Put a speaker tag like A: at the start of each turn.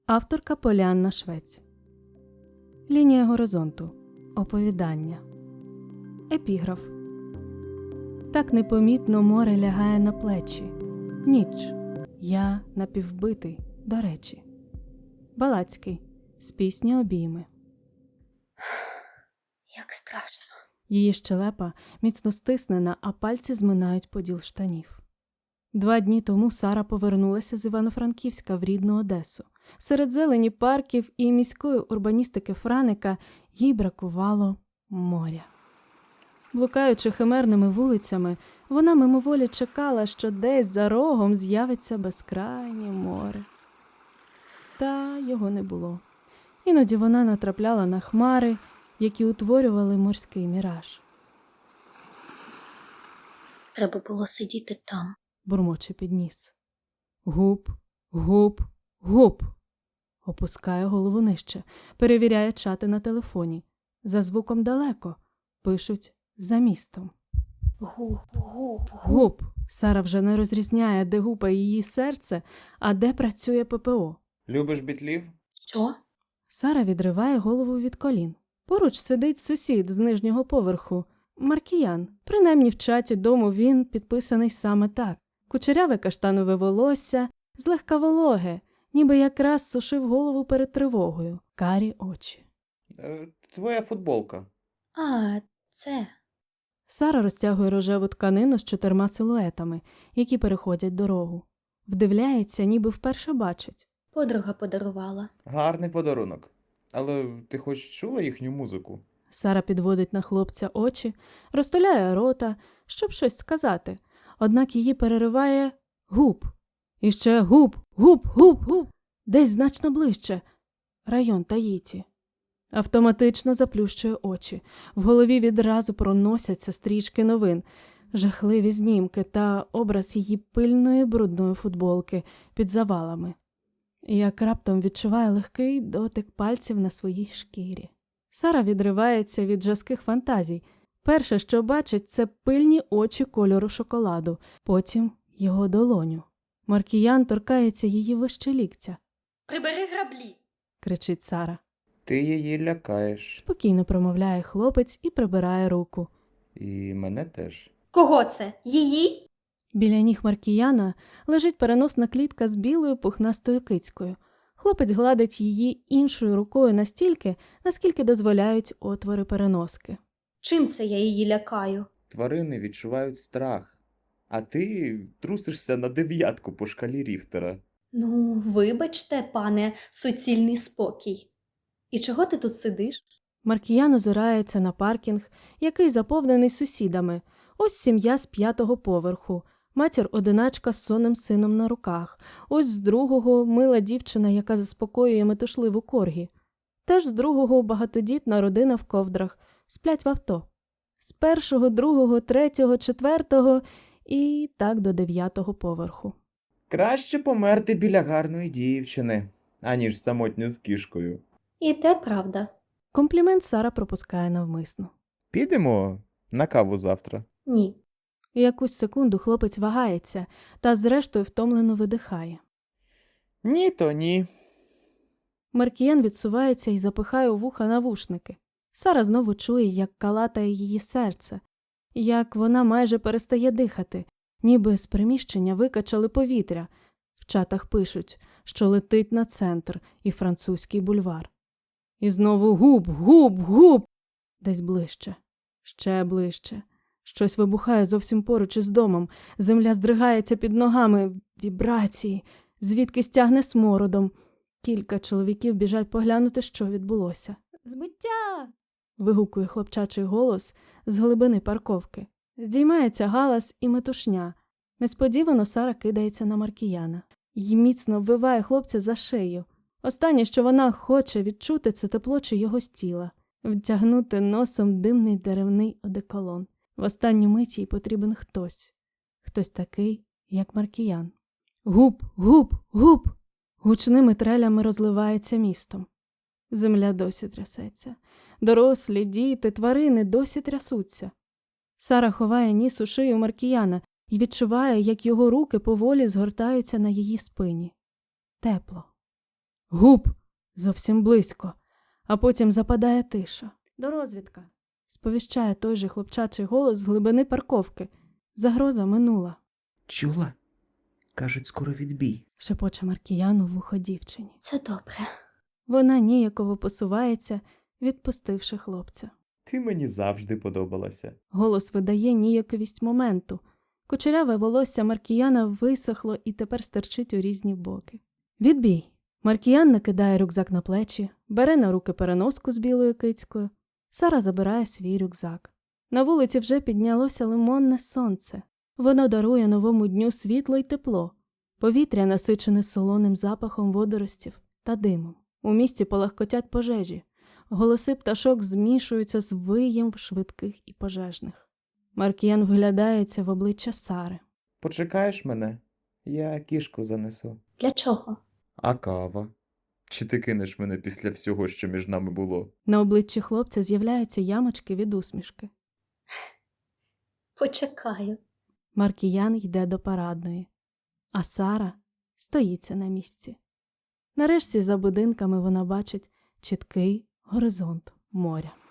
A: Авторка Поліанна Швець. Лінія горизонту. Оповідання. Епіграф. Так непомітно море лягає на плечі. Ніч. Я напіввбитий, до речі. Балацький. З пісні «Обійми».
B: Як страшно.
A: Її щелепа міцно стиснена, а пальці зминають поділ штанів. 2 дні тому Сара повернулася з Івано-Франківська в рідну Одесу. Серед зелені парків і міської урбаністики Франика їй бракувало моря. Блукаючи химерними вулицями, вона мимоволі чекала, що десь за рогом з'явиться безкрайнє море. Та його не було. Іноді вона натрапляла на хмари, які утворювали морський міраж.
B: Треба було сидіти там.
A: Бурмоче підніс. Гуп, гуп, гуп. Опускає голову нижче, перевіряє чати на телефоні. За звуком далеко. Пишуть за містом.
B: Гуп, гуп, гуп.
A: Гуп. Сара вже не розрізняє, де гупає її серце, а де працює ППО.
C: Любиш бітлів?
B: Що?
A: Сара відриває голову від колін. Поруч сидить сусід з нижнього поверху. Маркіян. Принаймні в чаті дому він підписаний саме так. Кучеряве каштанове волосся, злегка вологе, ніби якраз сушив голову перед тривогою. Карі очі.
C: Твоя футболка.
B: А, це.
A: Сара розтягує рожеву тканину з 4 силуетами, які переходять дорогу. Вдивляється, ніби вперше бачить.
B: Подруга подарувала.
C: Гарний подарунок. Але ти хоч чула їхню музику?
A: Сара підводить на хлопця очі, розтуляє рота, щоб щось сказати. Однак її перериває гуп. І ще гуп, гуп, гуп, гуп. Десь значно ближче. Район Таїті. Автоматично заплющує очі. В голові відразу проносяться стрічки новин, жахливі знімки та образ її пильної брудної футболки під завалами. Як раптом відчуває легкий дотик пальців на своїй шкірі. Сара відривається від жаских фантазій. Перше, що бачить, це пильні очі кольору шоколаду, потім його долоню. Маркіян торкається її вище ліктя.
B: Прибери граблі.
A: Кричить Сара.
C: Ти її лякаєш.
A: Спокійно промовляє хлопець і прибирає руку.
C: І мене теж.
B: Кого це? Її?
A: Біля ніг Маркіяна лежить переносна клітка з білою пухнастою кицькою. Хлопець гладить її іншою рукою настільки, наскільки дозволяють отвори переноски.
B: Чим це я її лякаю?
C: Тварини відчувають страх. А ти трусишся на 9 по шкалі Ріхтера.
B: Ну, вибачте, пане, суцільний спокій. І чого ти тут сидиш?
A: Маркіян озирається на паркінг, який заповнений сусідами. Ось сім'я з 5-го поверху. Матір-одиначка з сонним сином на руках. Ось з 2-го мила дівчина, яка заспокоює метушливу коргі. Теж з 2-го багатодітна родина в ковдрах. Сплять в авто. З 1-го, 2-го, 3-го, 4-го і так до 9-го поверху.
C: Краще померти біля гарної дівчини, аніж самотньо з кішкою.
B: І те правда.
A: Комплімент Сара пропускає навмисно.
C: Підемо на каву завтра.
B: Ні.
A: Якусь секунду хлопець вагається та зрештою втомлено видихає.
C: Ні, то ні.
A: Маркіян відсувається і запихає у вуха навушники. Сара знову чує, як калатає її серце, як вона майже перестає дихати, ніби з приміщення викачали повітря. В чатах пишуть, що летить на центр і французький бульвар. І знову гуп, гуп, гуп. Десь ближче, ще ближче. Щось вибухає зовсім поруч із домом. Земля здригається під ногами. Вібрації. Звідки стягне смородом. Кілька чоловіків біжать поглянути, що відбулося. «Збиття!» – вигукує хлопчачий голос з глибини парковки. Здіймається галас і метушня. Несподівано Сара кидається на Маркіяна. Й міцно вбиває хлопця за шию. Останнє, що вона хоче відчути, це тепло чийогось тіла. Втягнути носом димний деревний одеколон. В останню мить їй потрібен хтось. Хтось такий, як Маркіян. Гуп, гуп, гуп! Гучними трелями розливається містом. Земля досі трясеться. Дорослі, діти, тварини досі трясуться. Сара ховає ніс у шию Маркіяна і відчуває, як його руки поволі згортаються на її спині. Тепло. Гуп! Зовсім близько. А потім западає тиша. Дорозвідка. Сповіщає той же хлопчачий голос з глибини парковки. Загроза минула.
C: Чула? Кажуть, скоро відбій.
A: Шепоче Маркіян у вухо дівчині.
B: Це добре.
A: Вона ніяково посувається, відпустивши хлопця.
C: Ти мені завжди подобалася.
A: Голос видає ніяковість моменту. Кучеряве волосся Маркіяна висохло і тепер стирчить у різні боки. Відбій. Маркіян накидає рюкзак на плечі, бере на руки переноску з білою кицькою. Сара забирає свій рюкзак. На вулиці вже піднялося лимонне сонце. Воно дарує новому дню світло й тепло. Повітря насичене солоним запахом водоростів та димом. У місті полагкотять пожежі. Голоси пташок змішуються з виєм швидких і пожежних. Маркіян вглядається в обличчя Сари.
C: Почекаєш мене? Я кішку занесу.
B: Для чого?
C: А кава? Чи ти кинеш мене після всього, що між нами було?
A: На обличчі хлопця з'являються ямочки від усмішки.
B: Почекаю.
A: Маркіян йде до парадної, а Сара стоїться на місці. Нарешті за будинками вона бачить чіткий горизонт моря.